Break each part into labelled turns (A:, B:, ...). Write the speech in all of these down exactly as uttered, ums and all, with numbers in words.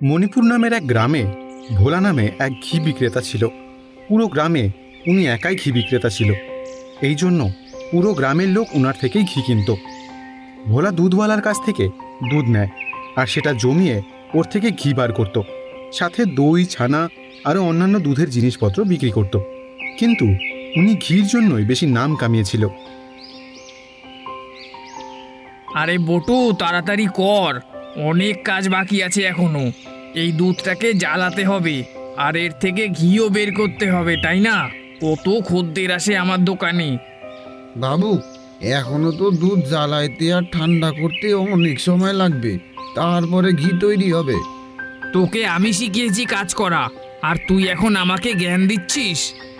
A: মণিপুর নামের এক গ্রামে ভোলা নামে এক ঘি বিক্রেতা ছিল। পুরো গ্রামে উনি একাই ঘি বিক্রেতা ছিল, এই জন্য পুরো গ্রামের লোক ওনার থেকেই ঘি কিনত। ভোলা দুধওয়ালার কাছ থেকে দুধ নেয় আর সেটা জমিয়ে ওর থেকে ঘি বার করত, সাথে দই, ছানা আরও অন্যান্য দুধের জিনিসপত্র বিক্রি করত। কিন্তু উনি ঘির জন্যই বেশি নাম কামিয়েছিল।
B: আরে বটু, তাড়াতাড়ি কর, অনেক কাজ বাকি আছে এখনো। এই দুধটাকে জ্বালাতে হবে আর এর থেকে ঘিও বের করতে হবে, তাই না? কত খদ্দের আসে আমার দোকানে।
C: বাবু, এখনো তো দুধ জ্বালাইতে আর ঠান্ডা করতে অনেক সময় লাগবে, তারপরে ঘি তৈরি হবে।
B: তোকে আমি শিখিয়েছি কাজ করা, আর তুই এখন আমাকে জ্ঞান দিচ্ছিস?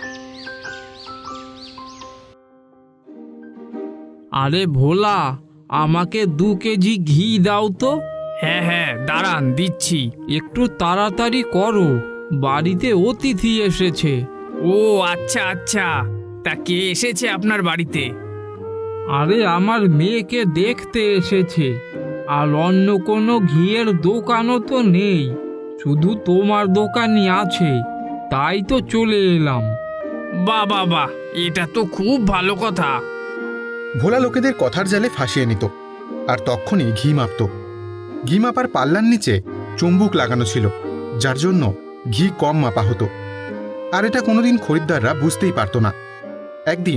D: আরে ভোলা, আমাকে দু কেজি ঘি দাও তো।
B: হ্যাঁ হ্যাঁ, দাঁড়ান দিচ্ছি।
D: একটু তাড়াতাড়ি করো, বাড়িতে অতিথি এসেছে।
B: ও আচ্ছা আচ্ছা, তা কে এসেছে আপনার বাড়িতে?
D: আরে আমার মেয়েকে দেখতে এসেছে। আর অন্য কোনো ঘিয়ের দোকানও তো নেই, শুধু তোমার দোকানই আছে, তাই তো চলে এলাম।
B: বাহ বাহ বাহ, এটা তো খুব ভালো কথা।
A: ভোলা লোকেদের কথার জালে ফাঁসিয়ে নিত আর তখনই ঘি মাপত। ঘি মাপার পাল্লার নিচে চুম্বুক লাগানো ছিল, যার জন্য ঘি কম মাপা হতো। আর এটা কোনোদিন খরিদ্দাররা বুঝতেই পারত না। একদিন,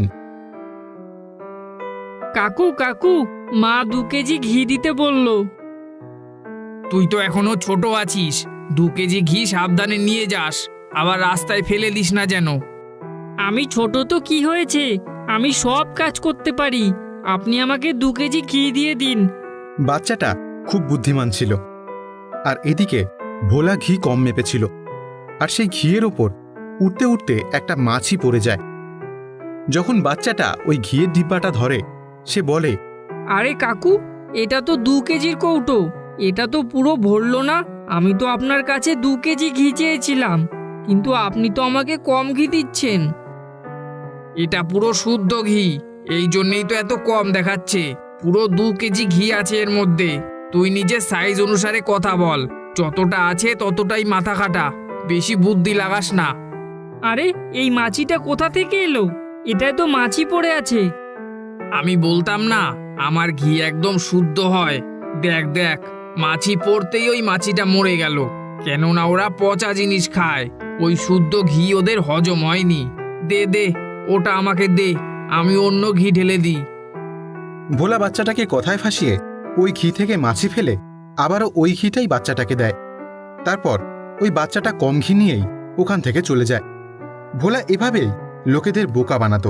D: কাকু কাকু, মা দু কেজি ঘি দিতে বলল।
B: তুই তো এখনো ছোট আছিস, দু কেজি ঘি সাবধানে নিয়ে যাস, আবার রাস্তায় ফেলে দিস না যেন।
D: আমি ছোট তো কি হয়েছে, আমি সব কাজ করতে পারি, আপনি আমাকে দু কেজি ঘি দিয়ে দিন।
A: বাচ্চাটা খুব বুদ্ধিমান ছিল। আর এদিকে ভোলা ঘি কম মেপেছিল, আর সেই ঘিয়ের ওপর উঠতে উঠতে একটা মাছি পড়ে যায়। যখন বাচ্চাটা ওই ঘিয়ের ডিব্বাটা ধরে, সে বলে,
D: আরে কাকু, এটা তো দু কেজির কৌটো, এটা তো পুরো ভরলো না। আমি তো আপনার কাছে দু কেজি ঘি চেয়েছিলাম, কিন্তু আপনি তো আমাকে কম ঘি দিচ্ছেন।
B: এটা পুরো শুদ্ধ ঘি, এই জন্যই তো এত কম দেখাচ্ছে। পুরো দু কেজি ঘি আছে এর মধ্যে। তুই নিজের সাইজ অনুসারে কথা বল, যতটা আছে ততটাই মাথা খাটা, বেশি বুদ্ধি লাগাস না।
D: আরে এই মাছিটা কোথা থেকে এলো? এটায় তো মাছি পড়ে আছে।
B: আমি বলতাম না আমার ঘি একদম শুদ্ধ হয়। দেখ দেখ, মাছি পড়তেই ওই মাছিটা মরে গেল, কেননা ওরা পচা জিনিস খায়। ওই শুদ্ধ ঘি ওদের হজম হয়নি। দে দে, ওটা আমাকে দে, আমি অন্য ঘি ঢেলে দিই।
A: ভোলা বাচ্চাটাকে কথায় ফাঁসিয়ে ওই ঘি থেকে মাছি ফেলে আবারও ওই ঘিটাই বাচ্চাটাকে দেয়। তারপর ওই বাচ্চাটা কম ঘি নিয়েই ওখান থেকে চলে যায়। ভোলা এভাবেই লোকেদের বোকা বানাতো।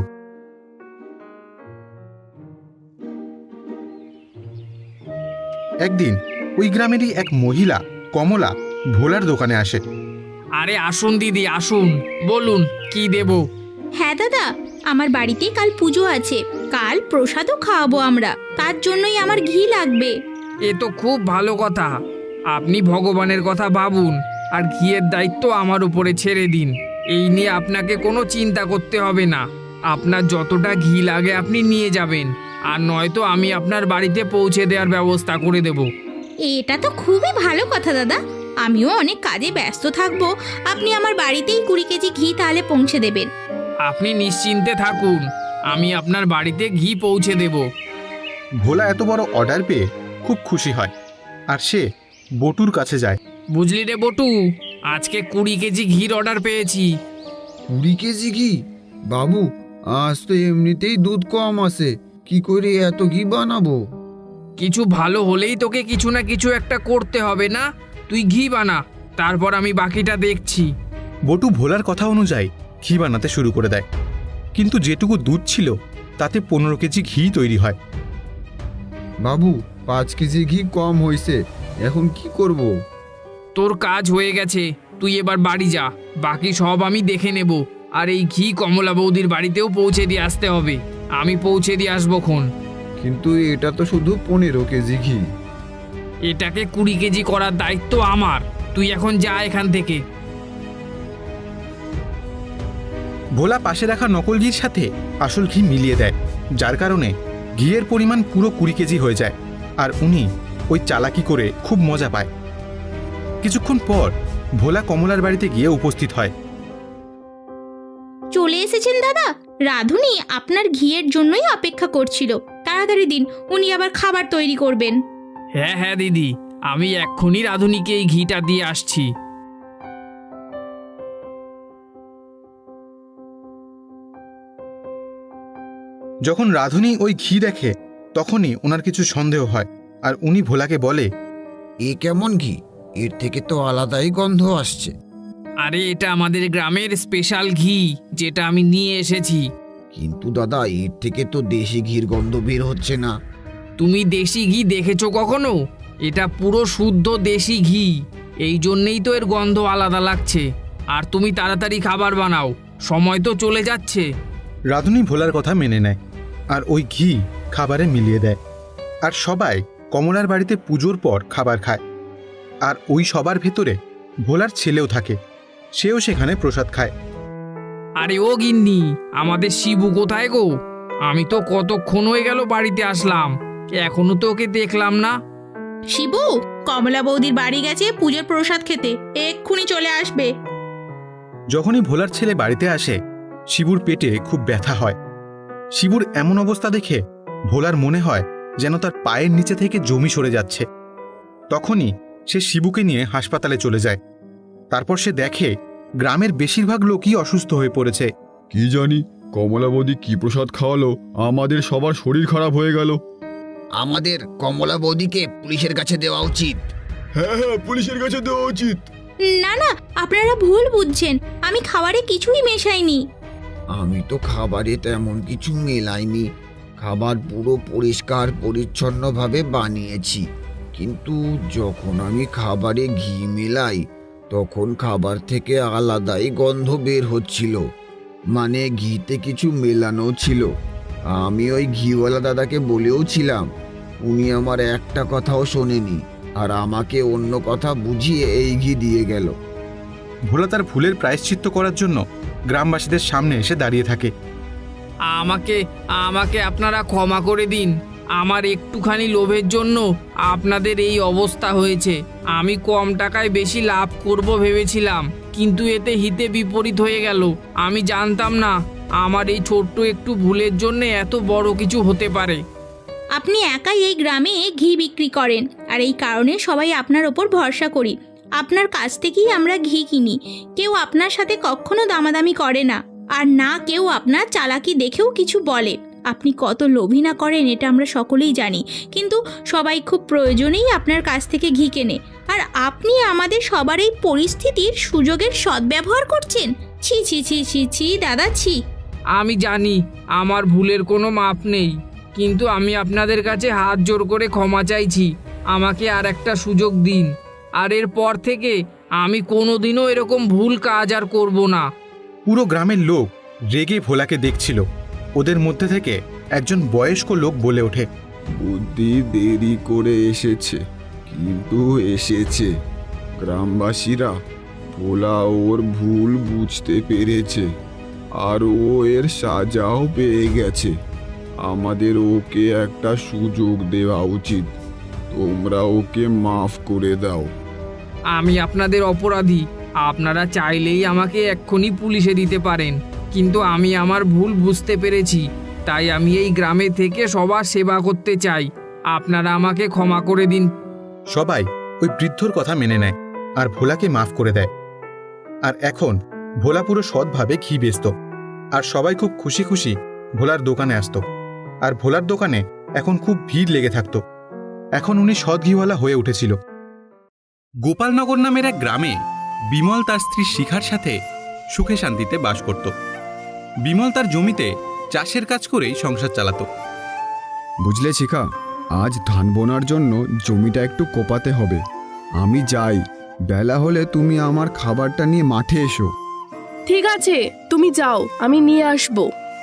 A: একদিন ওই গ্রামেরই এক মহিলা কমলা ভোলার দোকানে আসে।
B: আরে আসুন দিদি, আসুন, বলুন কি দেব?
E: হ্যাঁ দাদা, আমার বাড়িতে কাল পুজো আছে, কাল প্রসাদও খাওয়াবো আমরা, তার জন্যই আমার ঘি লাগবে।
B: এ তো খুব ভালো কথা। আপনি ভগবানের কথা ভাবুন আর ঘিয়ের দায়িত্ব আমার উপরে ছেড়ে দিন। এই নিয়ে আপনাকে কোনো চিন্তা করতে হবে না। আপনার যতটা ঘি লাগে আপনি নিয়ে যাবেন, আর নয়তো আমি আপনার বাড়িতে পৌঁছে দেওয়ার ব্যবস্থা করে দেব।
E: এটা তো খুবই ভালো কথা দাদা, আমিও অনেক কাজে ব্যস্ত থাকবো, আপনি আমার বাড়িতেই কুড়ি কেজি ঘি তাহলে পৌঁছে দেবেন।
B: আপনি নিশ্চিন্তে থাকুন, আমি আপনার বাড়িতে ঘি পৌঁছে দেব।
A: ভোলা এত বড় অর্ডার পেয়ে খুব খুশি হয় আর সে বটুর কাছে যায়।
B: বুঝলি রে বটু, আজকে কুড়ি কেজি ঘির অর্ডার পেয়েছি।
C: কুড়ি কেজি ঘি? বাবু, আজ তো এমনিতেই দুধ কম আছে, কি করে এত ঘি বানাবো?
B: কিছু ভালো হলেই তোকে কিছু না কিছু একটা করতে হবে না? তুই ঘি বানা, তারপর আমি বাকিটা দেখছি।
A: বটু ভোলার কথা অনুযায়ী ঘি বানাতে শুরু করে দেয়, কিন্তু যেটুকু দুধ ছিল তাতে পনেরো কেজি ঘি তৈরি হয়।
C: বাবু, পাঁচ কেজি ঘি কম হয়েছে, এখন কি করব?
B: তোর কাজ হয়ে গেছে, তুই এবার বাড়ি যা, বাকি সব আমি দেখে নেব। আর এই ঘি কমলা বৌদির বাড়িতেও পৌঁছে দিয়ে আসতে হবে, আমি পৌঁছে দিয়ে আসবো খন।
C: কিন্তু এটা তো শুধু পনেরো কেজি ঘি।
B: এটাকে কুড়ি কেজি করার দায়িত্ব আমার, তুই এখন যা এখান থেকে।
A: ভোলা পাশে রাখা নকল ঘির সাথে আসল ঘি মিলিয়ে দেয়, যার কারণে ঘিয়ের পরিমাণ পুরো কুড়ি কেজি হয়ে যায়। আর উনি ওই চালাকি করে খুব মজা পায়। কিছুক্ষণ পর ভোলা কমলার বাড়িতে গিয়ে উপস্থিত হয়।
E: চলে এসেছেন দাদা? রাধুনি আপনার ঘিয়ের জন্যই অপেক্ষা করছিল। তাড়াতাড়ি দিন, উনি আবার খাবার তৈরি করবেন।
B: হ্যাঁ হ্যাঁ দিদি, আমি এক্ষুনি রাধুনিকে এই ঘিটা দিয়ে আসছি।
A: যখন রাধুনি ওই ঘি দেখে তখনই ওনার কিছু সন্দেহ হয়, আর উনি ভোলাকে বলে,
C: এ কেমন ঘি? এর থেকে তো আলাদাই গন্ধ আসছে।
B: আরে এটা আমাদের গ্রামের স্পেশাল ঘি, যেটা আমি নিয়ে এসেছি।
C: কিন্তু দাদা, এর থেকে তো দেশি ঘির গন্ধ বের হচ্ছে না।
B: তুমি দেশি ঘি দেখেছো কখনো? এটা পুরো শুদ্ধ দেশি ঘি, এই জন্যেই তো এর গন্ধ আলাদা লাগছে। আর তুমি তাড়াতাড়ি খাবার বানাও, সময় তো চলে যাচ্ছে।
A: রাধুনি ভোলার কথা মেনে নেয় আর ওই ঘি খাবারে মিলিয়ে দেয়। আর সবাই কমলার বাড়িতে পুজোর পর খাবার খায়। আর ওই সবার ভেতরে ভোলার ছেলেও থাকে, সেও সেখানে প্রসাদ খায়।
B: আরে ও গিন্নি, আমাদের শিবু কোথায় গো? আমি তো কতক্ষণ হয়ে গেল বাড়িতে আসলাম, এখনো তো ওকে দেখলাম না।
E: শিবু, কমলা বৌদির বাড়ি গেছে পুজোর প্রসাদ খেতে, এক্ষুনি চলে আসবে।
A: যখনই ভোলার ছেলে বাড়িতে আসে, শিবুর পেটে খুব ব্যথা হয়। শিবুর এমন অবস্থা দেখে ভোলার মনে হয় যেন তার পায়ের নিচে থেকে জমি সরে যাচ্ছে। তখনই সে শিবুকে নিয়ে হাসপাতালে চলে যায়। তারপর সে দেখে গ্রামের বেশিরভাগ লোকই অসুস্থ হয়ে পড়েছে।
F: কি জানি কমলা বৌদি কি প্রসাদ খাওয়ালো, আমাদের সবার শরীর খারাপ হয়ে গেল।
C: আমাদের কমলা বৌদিকে পুলিশের কাছে দেওয়া উচিত।
F: হ্যাঁ হ্যাঁ, পুলিশের কাছে দেওয়া উচিত।
E: না না, আপনারা ভুল বুঝছেন, আমি খাবারে কিছুই মেশাইনি।
C: আমি তো খাবারে তেমন কিছু মেলাইনি। খাবার পুরো পরিষ্কার পরিচ্ছন্নভাবে বানিয়েছি। কিন্তু যখন আমি খাবারে ঘি মেলাই, তখন খাবার থেকে আলাদাই গন্ধ বের হচ্ছিল। মানে ঘিতে কিছু মেলানো ছিল। আমি ওই ঘিওয়ালা দাদাকে বলেও ছিলাম, উনি আমার একটা কথাও শোনেনি, আর আমাকে অন্য কথা বুঝিয়ে এই ঘি দিয়ে গেল।
A: ভোলা তার ভুলের প্রায়শ্চিত্ত করার জন্য গ্রামবাসীদের সামনে এসে দাঁড়িয়ে থাকে।
B: আমাকে আমাকে আপনারা ক্ষমা করে দিন। আমার একটুখানি লোভের জন্য আপনাদের এই অবস্থা হয়েছে। আমি কম টাকায় বেশি লাভ করব ভেবেছিলাম, কিন্তু এতে হিতে বিপরীত হয়ে গেল। আমি জানতাম না আমার এই ছোট্ট একটু ভুলের জন্য এত বড় কিছু হতে পারে।
E: আপনি একাই এই গ্রামে ঘি বিক্রি করেন, আর এই কারণে সবাই আপনার ওপর ভরসা করি। আপনার কাছ থেকেই আমরা ঘি কিনি। কেউ আপনার সাথে কখনো দামাদামি করে না, আর না কেউ আপনার চালাকি দেখেও কিছু বলে। আপনি কত লোভী না করেন এটা আমরা সকলেই জানি, কিন্তু সবাই খুব প্রয়োজনেই আপনার কাছ থেকে ঘি কেনে। আর আপনি আমাদের সবার এই পরিস্থিতির সুযোগের সদ্ব্যবহার করছেন। ছি ছি ছি ছি ছি দাদা, ছি।
B: আমি জানি আমার ভুলের কোনো মাপ নেই, কিন্তু আমি আপনাদের কাছে হাত জোর করে ক্ষমা চাইছি। আমাকে আর একটা সুযোগ দিন, আর এর পর থেকে আমি কোনোদিনও এরকম ভুল কাজ আর করব না।
A: পুরো গ্রামের লোক রেগে ভোলাকে দেখছিল। ওদের মধ্যে থেকে একজন বয়স্ক লোক বলে ওঠে,
F: বুদ্ধি দেরি করে এসেছে, কিন্তু এসেছে। গ্রামবাসীরা ভোলা ওর ভুল বুঝতে পেরেছে, আর ও এর সাজাও পেয়ে গেছে। আমাদের ওকে একটা সুযোগ দেওয়া উচিত। তোমরা ওকে মাফ করে দাও।
B: আমি আপনাদের অপরাধী। আপনারা চাইলেই আমাকে এক্ষুনি পুলিশে দিতে পারেন, কিন্তু আমি আমার ভুল বুঝতে পেরেছি, তাই আমি এই গ্রামে থেকে সবার সেবা করতে চাই। আপনারা আমাকে ক্ষমা করে দিন।
A: সবাই ওই বৃদ্ধর কথা মেনে নেয় আর ভোলাকে মাফ করে দেয়। আর এখন ভোলা পুরো সৎভাবে ঘি বেচত, আর সবাই খুব খুশি খুশি ভোলার দোকানে আসতো। আর ভোলার দোকানে এখন খুব ভিড় লেগে থাকতো। এখন উনি সৎ ঘিওয়ালা হয়ে উঠেছিল। গোপালনগর নামের এক গ্রামে বিমল তার স্ত্রী শিখার সাথে সুখে শান্তিতে বাস করত। বিমল তার জমিতে চাষের কাজ করেই সংসার চালাতো।
F: বুঝলে শিখা, আজ ধান বোনার জন্য জমিটা একটু কোপাতে হবে। আমি যাই, বেলা হলে তুমি আমার খাবারটা নিয়ে মাঠে এসো।
G: ঠিক আছে, তুমি যাও, আমি নিয়ে আসবো।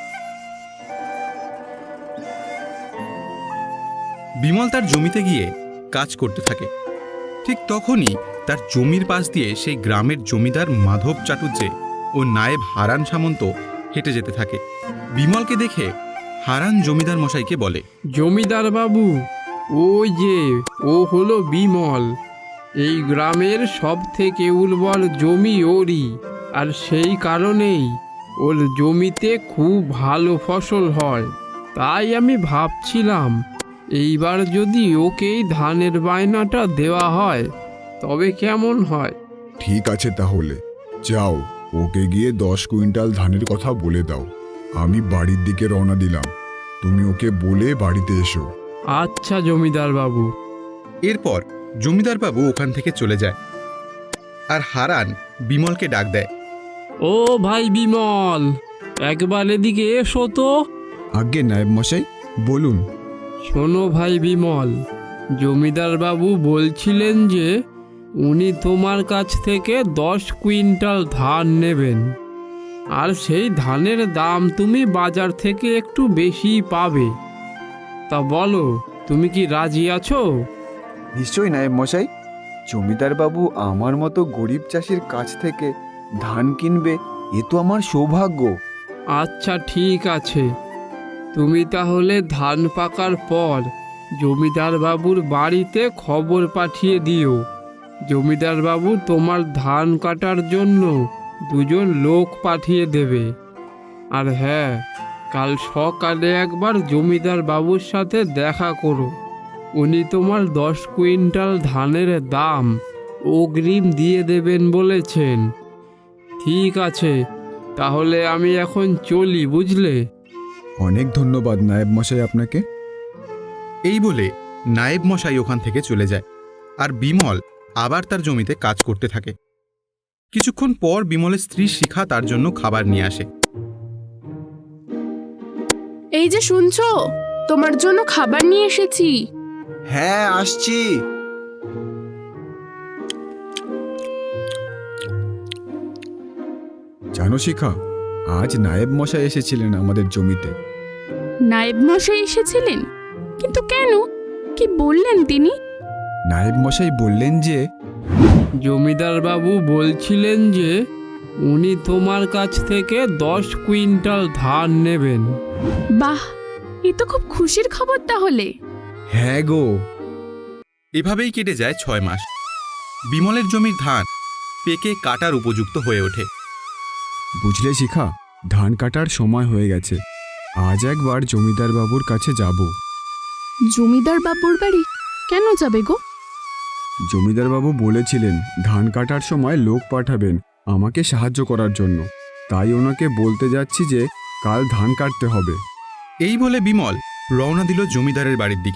A: বিমল তার জমিতে গিয়ে কাজ করতে থাকে। ঠিক তখনই তার জমির পাশ দিয়ে সেই গ্রামের জমিদার মাধব চাটুর্যে ও নায়েব হারান সামন্ত হেঁটে যেতে থাকে। বিমলকে দেখে হারান জমিদার মশাইকে বলে,
D: জমিদার বাবু, ওই যে ও হলো বিমল। এই গ্রামের সব থেকে উর্বর জমি ওরই, আর সেই কারণেই ওর জমিতে খুব ভালো ফসল হয়। তাই আমি ভাবছিলাম এইবার যদি ওকেই ধানের বায়নাটা দেওয়া হয় তবে কেমন হয়।
F: ঠিক আছে, তাহলে যাও, ওকে গিয়ে দশ কুইন্টাল ধানের কথা বলে দাও। আমি বাড়ির দিকে রওনা দিলাম, তুমি ওকে বলে বাড়িতে এসো।
D: আচ্ছা জমিদার বাবু।
A: এরপর জমিদার বাবু ওখান থেকে চলে যায়, আর হারান বিমলকে ডাক দেয়।
D: ও ভাই বিমল, একবার এদিকে এসো তো।
F: আজ্ঞে নায়েব মশাই, বলুন।
D: শোনো ভাই বিমল, জমিদার বাবু বলছিলেন যে উনি তোমার কাছ থেকে দশ কুইন্টাল ধান নেবেন, আর সেই ধানের দাম তুমি বাজার থেকে একটু বেশি পাবে। তা বলো, তুমি কি রাজি আছো?
F: নিশ্চয়ই নায়েব মশাই, জমিদার বাবু আমার মতো গরিব চাষির কাছ থেকে ধান কিনবে, এ তো আমার সৌভাগ্য।
D: আচ্ছা ঠিক আছে, তুমি তাহলে ধান পাকার পর জমিদার বাবুর বাড়িতে খবর পাঠিয়ে দিও। জমিদার বাবু তোমার ধান কাটার জন্য দুজন লোক পাঠিয়ে দেবে। আর হ্যাঁ, কাল সকালে একবার জমিদার বাবুর সাথে দেখা করো। উনি তোমার দশ কুইন্টাল ধানের দাম অগ্রিম দিয়ে দেবেন বলেছেন। ঠিক আছে, তাহলে আমি এখন চলি, বুঝলে?
F: অনেক ধন্যবাদ নায়েব মশাই আপনাকে।
A: এই বলে নায়েব মশাই ওখান থেকে চলে যায়, আর বিমল আবার তার জমিতে কাজ করতে থাকে। কিছুক্ষণ পর বিমলের স্ত্রী শিখা তার জন্য খাবার নিয়ে আসে।
G: এই যে শুনছো, তোমার জন্য খাবার নিয়ে এসেছি।
C: হ্যাঁ, আসছি।
F: জানো শিখা, আজ নায়েব মশাই এসেছিলেন আমাদের জমিতে।
G: নায়েব মশাই এসেছিলেন? কিন্তু কেন, কি বললেন তিনি?
F: নায়েব মশাই বললেন যে
D: জমিদার বাবু বলছিলেন যে উনি তোমার কাছ থেকে দশ কুইন্টাল ধান নেবেন।
G: বাহ, এ তো খুব খুশির খবর তাহলে।
F: হ্যাঁ গো।
A: এভাবেই কেটে যায় ছয় মাস। বিমলের জমির ধান পেকে কাটার উপযুক্ত হয়ে ওঠে।
F: বুঝলে শিখা, ধান কাটার সময় হয়ে গেছে। আজ একবার জমিদার বাবুর কাছে যাব।
G: জমিদার বাবুর বাড়ি কেন যাবে গো?
F: জমিদার বাবু বলেছিলেন ধান কাটার সময় লোক পাঠাবেন আমাকে সাহায্য করার জন্য। তাই ওনাকে বলতে যাচ্ছি যে কাল ধান কাটতে হবে।
A: এই বলে বিমল রওনা দিল জমিদারের বাড়ির দিকে।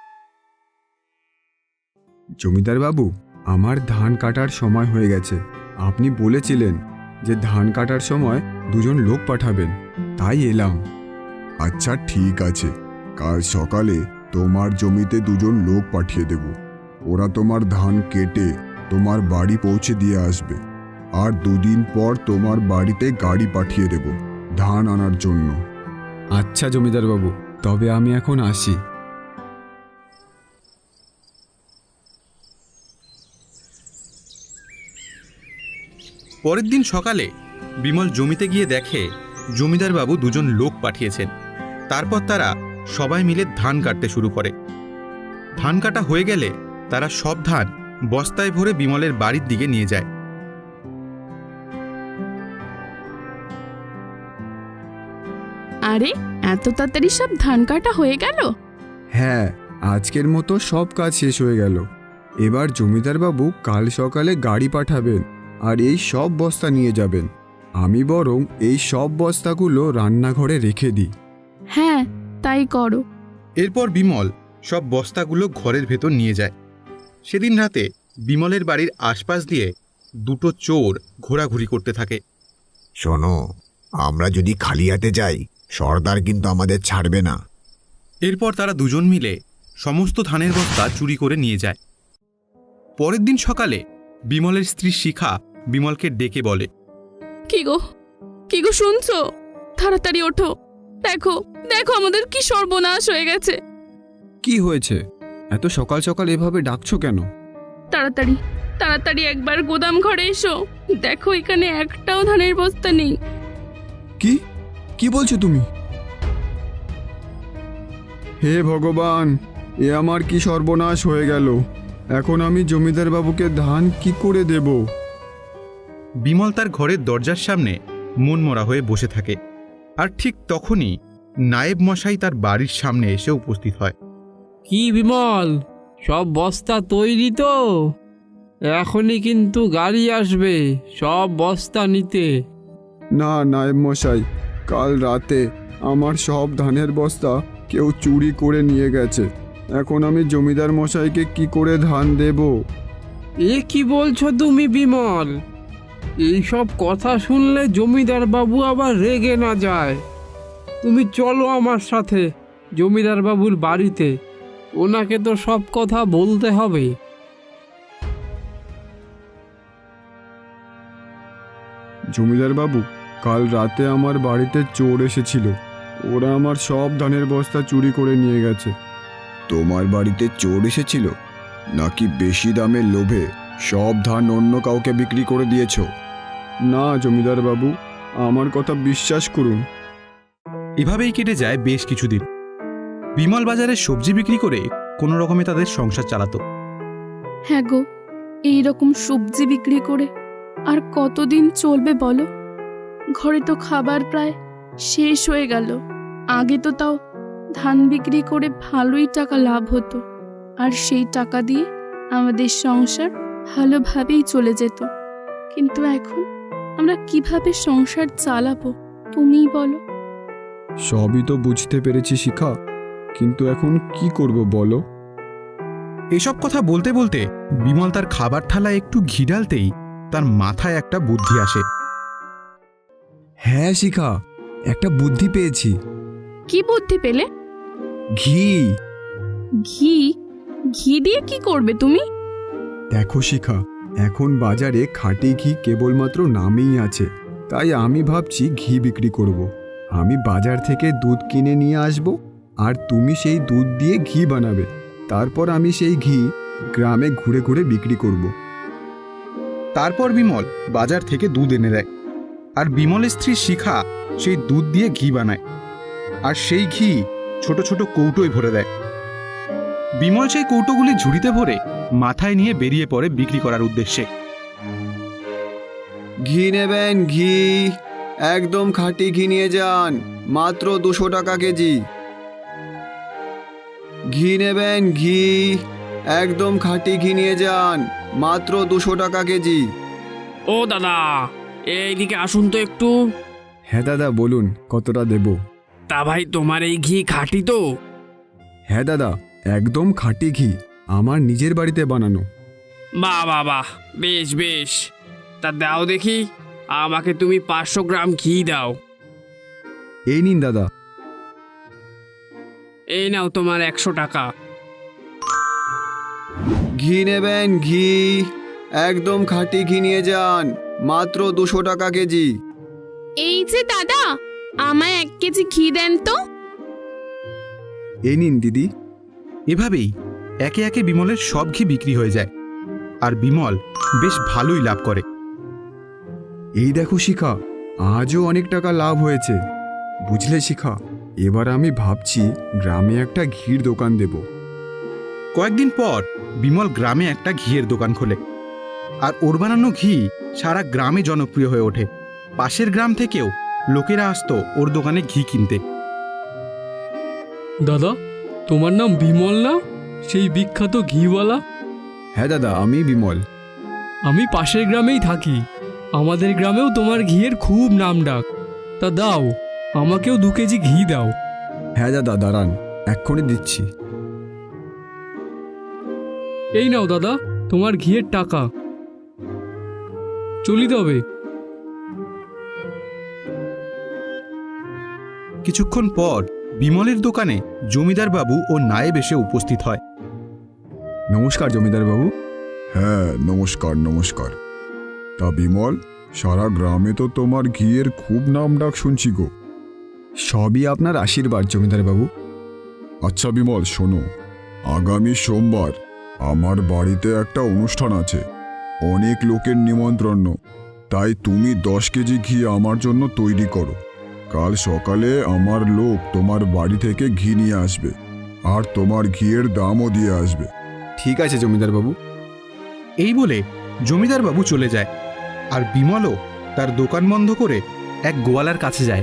F: জমিদার বাবু, আমার ধান কাটার সময় হয়ে গেছে। আপনি বলেছিলেন যে ধান কাটার সময় দুজন লোক পাঠাবেন, তাই এলাম। আচ্ছা ঠিক আছে, কাল সকালে তোমার জমিতে দুজন লোক পাঠিয়ে দেব। ওরা তোমার ধান কেটে তোমার বাড়ি পৌঁছে দিয়ে আসবে, আর দুদিন পর তোমার বাড়িতে গাড়ি পাঠিয়ে দেব ধান আনার জন্য। আচ্ছা জমিদার বাবু, তবে আমি এখন আসি।
A: পরের দিন সকালে বিমল জমিতে গিয়ে দেখে জমিদার বাবু দুজন লোক পাঠিয়েছেন। তারপর তারা সবাই মিলে ধান কাটতে শুরু করে। ধান কাটা হয়ে গেলে তারা সব ধান বস্তায় ভরে বিমলের বাড়ির দিকে নিয়ে যায়।
G: আরে, এত তাড়াতাড়ি সব ধান কাটা হয়ে গেল?
F: হ্যাঁ, আজকের মতো সব কাজ শেষ হয়ে গেল। এবার জমিদার বাবু কাল সকালে গাড়ি পাঠাবেন আর এই সব বস্তা নিয়ে যাবেন। আমি বরং এই সব বস্তাগুলো রান্নাঘরে রেখে দিই।
G: হ্যাঁ, তাই করো।
A: এরপর বিমল সব বস্তাগুলো ঘরের ভেতর নিয়ে যায়। সেদিন রাতে বিমলের বাড়ির আশপাশ দিয়ে দুটো চোর ঘোরাঘুরি করতে থাকে।
C: শোনো, আমরা যদি খালি হাতে যাই, সর্দার কিন্তু আমাদের ছাড়বে না।
A: এরপর তারা দুজন মিলে সমস্ত ধানের বস্তা চুরি করে নিয়ে যায়। পরের দিন সকালে বিমলের স্ত্রী শিখা বিমলকে ডেকে বলে,
G: কি গো, কি গো শুনছো? তাড়াতাড়ি ওঠো, দেখো দেখো আমাদের কি সর্বনাশ হয়ে গেছে।
F: কি হয়েছে? এত সকাল সকাল এভাবে ডাকছো কেন?
G: তাড়াতাড়ি তাড়াতাড়ি একবার গোদাম ঘরে এসো, দেখো এখানে একটাও ধানের বস্তা নেই।
F: কি কি বলছো তুমি? হে ভগবান, এ আমার কি সর্বনাশ হয়ে গেল! এখন আমি জমিদার বাবুকে ধান কি করে দেব?
A: বিমল তার ঘরের দরজার সামনে মনমরা হয়ে বসে থাকে। আর ঠিক তখনই নায়েব মশাই তার বাড়ির সামনে এসে উপস্থিত হয়।
D: কি বিমল, সব বস্তা তৈরি তো? এখনই কিন্তু গাড়ি আসবে সব বস্তা নিতে।
F: না নায়েব মশাই, কাল রাতে আমার সব ধানের বস্তা কেউ চুরি করে নিয়ে গেছে। এখন আমি জমিদার মশাইকে কি করে ধান দেব?
D: এ কি বলছো তুমি বিমল? এইসব কথা শুনলে জমিদার বাবু আবার রেগে না যায়। তুমি চলো আমার সাথে জমিদার বাবুর বাড়িতে, ওনাকে তো সব কথা বলতে হবে।
F: জমিদার বাবু, কাল রাতে আমার বাড়িতে চোর এসেছিল। ওরা আমার সব ধানের বস্তা চুরি করে নিয়ে গেছে।
C: তোমার বাড়িতে চোর এসেছিল নাকি বেশি দামের লোভে সব ধান অন্য কাউকে বিক্রি করে দিয়েছো?
F: না জমিদার বাবু, আমার কথা বিশ্বাস করুন।
A: এভাবেই কেটে যায় বেশ কিছুদিন। বিমল বাজারে সবজি বিক্রি করে কোনো রকমে তাদের সংসার চালাতো।
G: হ্যাঁ গো, এইরকম সবজি বিক্রি করে আর কতদিন চলবে বলো? ঘরে তো খাবার প্রায় শেষ হয়ে গেল। আগে তো তাও ধান বিক্রি করে ভালোই টাকা লাভ হতো, আর সেই টাকা দিয়ে আমাদের সংসার ভালোভাবেই চলে যেত। কিন্তু এখন আমরা কিভাবে সংসার চালাবো তুমিই বলো।
F: সবই তো বুঝতে পেরেছি শিখা, কিন্তু এখন কি করব বলো?
A: এসব কথা বলতে বলতে বিমল তার খাবার থালায় একটু ঘি ঢালতেই তার মাথায় একটা বুদ্ধি আসে।
F: হ্যাঁ শিখা, একটা বুদ্ধি পেয়েছি।
G: কি বুদ্ধি পেলে?
F: ঘি।
G: ঘি? ঘি দিয়ে কি করবে তুমি?
F: দেখো শিখা, এখন বাজারে খাঁটি ঘি কেবলমাত্র নামেই আছে, তাই আমি ভাবছি ঘি বিক্রি করব। আমি বাজার থেকে দুধ কিনে নিয়ে আসব, আর তুমি সেই দুধ দিয়ে ঘি বানাবে। তারপর আমি সেই ঘি গ্রামে ঘুরে ঘুরে বিক্রি করব।
A: তারপর বিমল বাজার থেকে দুধ এনে দেয়, আর বিমলের স্ত্রী শিখা সেই দুধ দিয়ে ঘি বানায়, আর সেই ঘি ছোট ছোট কৌটোয় ভরে দেয়। বিমল সেই কৌটোগুলি ঝুড়িতে ভরে মাথায় নিয়ে বেরিয়ে পড়ে বিক্রি করার উদ্দেশ্যে।
C: ঘি নেবেন? ঘি একদম খাঁটি ঘি নিয়ে যান, মাত্র দুশো টাকা কেজি। ঘি নেবেন? ঘি একদম খাঁটি ঘি নিয়ে যান, মাত্র দুশো টাকা কেজি।
B: ও দাদা, এইদিকে আসুন তো একটু।
F: হ্যাঁ দাদা, বলুন কতটা দেব?
B: তা ভাই, তোমার এই ঘি খাঁটি তো?
F: হ্যাঁ দাদা, একদম খাঁটি ঘি, আমার নিজের বাড়িতে বানানো।
B: বাহ বাহ বাহ, বেশ বেশ। তা দাও দেখি, আমাকে তুমি পাঁচশো গ্রাম ঘি দাও।
F: এই নিন দাদা।
B: এই নাও তোমার একশো টাকা।
C: ঘি নেবেন? ঘি একদম খাঁটি ঘি নিয়ে যান, মাত্র দুশো টাকা কেজি।
G: এই যে দাদা, আমায় এক কেজি ঘি দেন তো।
F: এই নিন দিদি।
A: এভাবেই একে একে বিমলের সব ঘি বিক্রি হয়ে যায়, আর বিমল বেশ ভালোই লাভ করে।
F: এই দেখো শিখা, আজও অনেক টাকা লাভ হয়েছে। বুঝলে শিখা, এবার আমি ভাবছি গ্রামে একটা ঘির দোকান দেব।
A: কয়েকদিন পর বিমল গ্রামে একটা ঘিয়ের দোকান খোলে, আর ওর বানানো ঘি সারা গ্রামে জনপ্রিয় হয়ে ওঠে। পাশের গ্রাম থেকেও লোকেরা আসতো ওর দোকানে ঘি কিনতে।
D: দাদা, তোমার নাম বিমল না? সেই বিখ্যাত ঘিওয়ালা?
F: হ্যাঁ দাদা, আমি বিমল।
D: আমি পাশের গ্রামেই থাকি। আমাদের গ্রামেও তোমার ঘিয়ের খুব নাম ডাক। তা দাও, আমাকেও দু কেজি ঘি দাও।
F: হ্যাঁ দাদা, দাঁড়ান, এক্ষুনি দিচ্ছি।
D: এই নাও দাদা, তোমার ঘিয়ের টাকা। চলি তবে।
A: কিছুক্ষণ পর বিমলের দোকানে জমিদার বাবু ও নায়েব এসে উপস্থিত হয়।
F: নমস্কার জমিদার বাবু।
H: হ্যাঁ, নমস্কার নমস্কার। তা বিমল, সারা গ্রামে তো তোমার ঘিয়ের খুব নাম ডাক শুনছি গো।
F: সবই আপনার আশীর্বাদ জমিদার বাবু।
H: আচ্ছা বিমল, শোনো, আগামী সোমবার আমার বাড়িতে একটা অনুষ্ঠান আছে, অনেক লোকের নিমন্ত্রণ, তাই তুমি দশ কেজি ঘি আমার জন্য তৈরি করো। কাল সকালে আমার লোক তোমার বাড়ি থেকে ঘি নিয়ে আসবে, আর তোমার ঘিয়ের দামও দিয়ে আসবে।
F: ঠিক আছে জমিদার বাবু।
A: এই বলে জমিদার বাবু চলে যায়, আর বিমলও তার দোকান বন্ধ করে এক গোয়ালার কাছে যায়।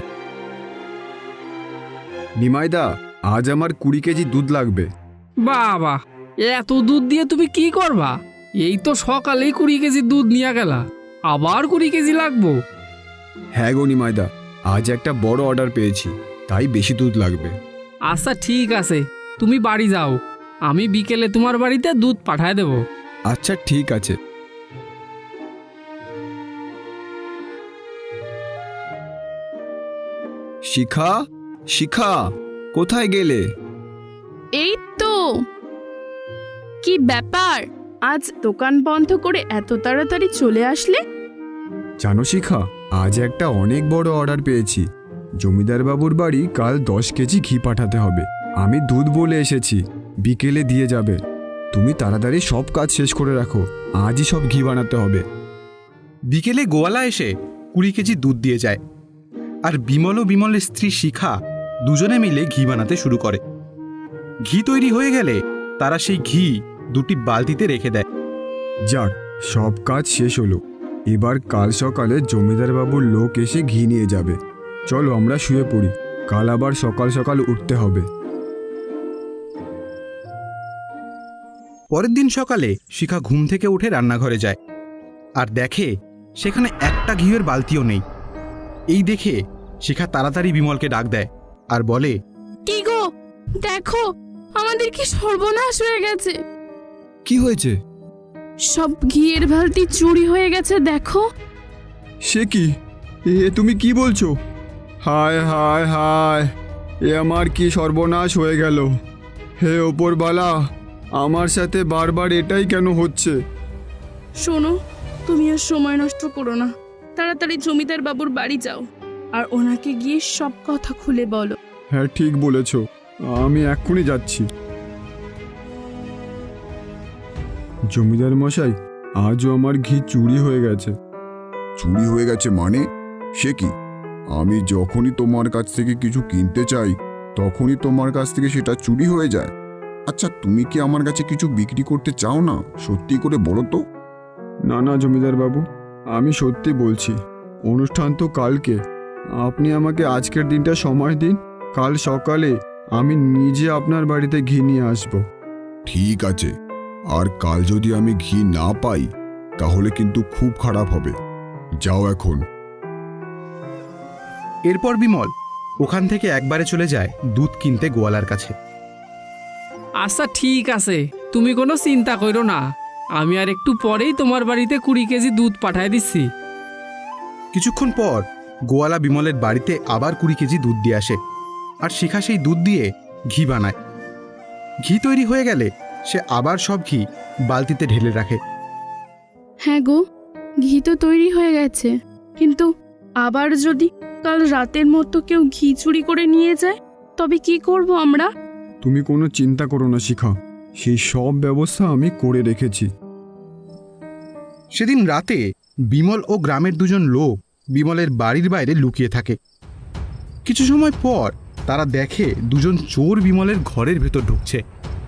F: নিমাইদা, আজ আমার কুড়ি কেজি দুধ লাগবে।
D: বাবা, এত দুধ দিয়ে তুমি কি করবা? এই তো সকালেই কুড়ি কেজি দুধ নিয়ে গেলা, আবার কুড়ি কেজি লাগবো?
F: হ্যাঁ গো নিমাইদা, আজ একটা বড় অর্ডার পেয়েছি, তাই বেশি দুধ লাগবে।
D: আচ্ছা ঠিক আছে, তুমি বাড়ি যাও, আমি বিকেলে তোমার বাড়িতে দুধ পাঠায় দেব।
F: আচ্ছা ঠিক আছে। শিখা, শিখা, কোথায় গেলে?
G: এই তো। কি ব্যাপার, আজ দোকান বন্ধ করে এত তাড়াতাড়ি চলে আসলে?
F: জানো শিখা, আজ একটা অনেক বড় অর্ডার পেয়েছি। জমিদার বাবুর বাড়ি কাল দশ কেজি ঘি পাঠাতে হবে। আমি দুধ বলে এসেছি, বিকেলে দিয়ে যাবে। তুমি তাড়াতাড়ি সব কাজ শেষ করে রাখো, আজই সব ঘি বানাতে হবে।
A: বিকেলে গোয়ালা এসে কুড়ি কেজি দুধ দিয়ে যায়, আর বিমল ও বিমলের স্ত্রী শিখা দুজনে মিলে ঘি বানাতে শুরু করে। ঘি তৈরি হয়ে গেলে তারা সেই ঘি দুটি বালতিতে রেখে দেয়।
F: যাক, সব কাজ শেষ হলো। এবার কাল সকালে জমিদার বাবুর লোক এসে ঘি নিয়ে যাবে। চলো আমরা শুয়ে পড়ি, কাল আবার সকাল সকাল উঠতে হবে।
A: পরের দিন সকালে শিখা ঘুম থেকে উঠে রান্নাঘরে যায়, আর দেখে সেখানে একটা ঘিয়ের বালতিও নেই। এই দেখে শিখা তাড়াতাড়ি বিমলকে ডাক দেয় আর বলে,
G: কি গো, দেখো আমাদের কি সর্বনাশ হয়ে গেছে।
F: কি হয়েছে?
G: সব ঘিয়ের বালতি চুরি হয়ে গেছে, দেখো।
F: সে কি, এ তুমি কি বলছো? হায় হায় হায়, এ আমার কি সর্বনাশ হয়ে গেল। হে ওপরবালা, আমার সাথে বারবার এটাই কেন হচ্ছে?
G: শোনো, তুমি আর সময় নষ্ট করো না, তাড়াতাড়ি জমিদার বাবুর বাড়ি যাও আর ওনাকে গিয়ে সব কথা খুলে বলো।
F: হ্যাঁ ঠিক বলেছ, আমি এক্ষুনি যাচ্ছি। জমিদার মশাই, আজও আমার ঘি চুরি হয়ে গেছে।
H: চুরি হয়ে গেছে মানে? সে কি? আমি যখনই তোমার কাছ থেকে কিছু কিনতে চাই তখনই তোমার কাছ থেকে সেটা চুরি হয়ে যায়। আচ্ছা, তুমি কি আমার কাছে কিছু বিক্রি করতে চাও না? সত্যি করে বলো তো।
F: না না জমিদার বাবু, আমি সত্যি বলছি। অনুষ্ঠান তো কালকে, আপনি আমাকে আজকের দিনটা সময় দিন, কাল সকালে আমি নিজে আপনার বাড়িতে ঘি নিয়ে আসব।
H: ঠিক আছে, আর কাল যদি আমি ঘি না পাই তাহলে কিন্তু খুব খারাপ হবে। যাও এখন।
A: এরপর বিমল ওখান থেকে একবারে চলে যায় দুধ কিনতে গোয়ালার কাছে।
D: আচ্ছা ঠিক আছে, তুমি কোনো চিন্তা করো না, আমি আর একটু পরেই তোমার বাড়িতে কুড়ি কেজি দুধ পাঠায় দিচ্ছি।
A: কিছুক্ষণ পর গোয়ালা বিমলের বাড়িতে আবার কুড়ি কেজি দুধ দিয়ে আসে, আর শিখা সেই দুধ দিয়ে ঘি বানায়। ঘি তৈরি হয়ে গেলে সে আবার সব ঘি বালতিতে ঢেলে রাখে।
G: হ্যাঁ গো, ঘি তো তৈরি হয়ে গেছে, কিন্তু আবার যদি কাল রাতের মতো কেউ ঘি চুরি করে নিয়ে যায় তবে কি করব আমরা?
F: তুমি কোনো চিন্তা করো না শিখা, সেই সব ব্যবস্থা আমি করে রেখেছি।
A: সেদিন রাতে বিমল ও গ্রামের দুজন লোক বিমলের বাড়ির বাইরে লুকিয়ে থাকে। কিছু সময় পর তারা দেখে দুজন চোর বিমলের ঘরের ভেতর ঢুকছে।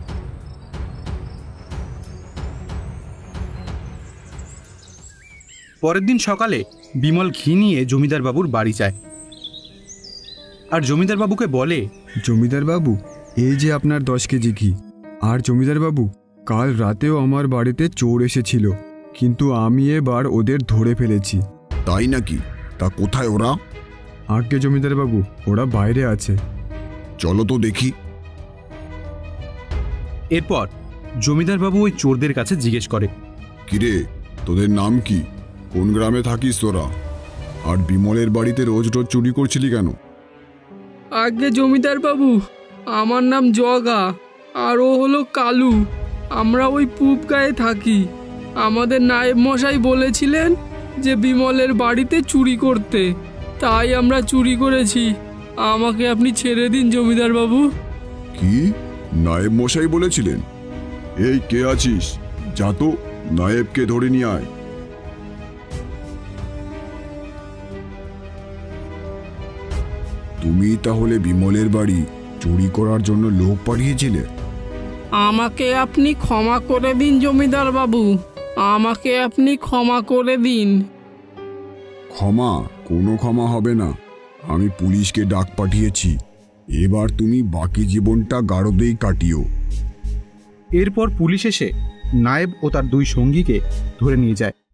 A: পরের দিন সকালে বিমল ঘি নিয়ে জমিদার বাবুর বাড়ি যায়, আর জমিদার বাবুকে বলে,
F: জমিদার বাবু, এই যে আপনার দশ কেজি ঘি। আর জমিদার বাবু, কাল রাতেও আমার বাড়িতে চোর এসেছিল, কিন্তু আমি এবার ওদের ধরে ফেলেছি।
H: তাই নাকি? তা কোথায় ওরা?
F: আজ্ঞে জমিদার বাবু, ওরা বাইরে আছে।
H: চলো তো দেখি।
A: এরপর জমিদার বাবু ওই চোরদের কাছে জিজ্ঞেস করে,
H: কিরে, তোদের নাম কি? কোন গ্রামে থাকিস তোরা? আর বিমলের বাড়িতে রোজ রোজ চুরি করছিলি কেন?
D: আগে জমিদার বাবু, আমার নাম জগা, আর ও হলো কালু। আমরা ওই পুব গায়ে থাকি। আমাদের নায়েব মশাই বলেছিলেন যে বিমলের বাড়িতে চুরি করতে, তাই আমরা চুরি করেছি। আমাকে আপনি ছেড়ে দিন জমিদার বাবু।
H: কি? নায়েব মশাই বলেছিলেন? এই কে আছিস? যা তো, নায়েবকে ধরে নিয়ে আয়। তুমি তাহলে বিমলের বাড়ি চুরি করার জন্য লোক পাঠিয়েছিলে?
D: আমাকে আপনি ক্ষমা করে দিন জমিদার বাবু, আমাকে আপনি ক্ষমা করে দিন।
H: ক্ষমা কোনো ক্ষমা হবে না। আমি পুলিশকে ডাক পাঠিয়েছি। এবার তুমি বাকি জীবনটা গারদেই কাটিও।
A: এরপর পুলিশ এসে নায়েব ও তার দুই সঙ্গীকে ধরে নিয়ে যায়।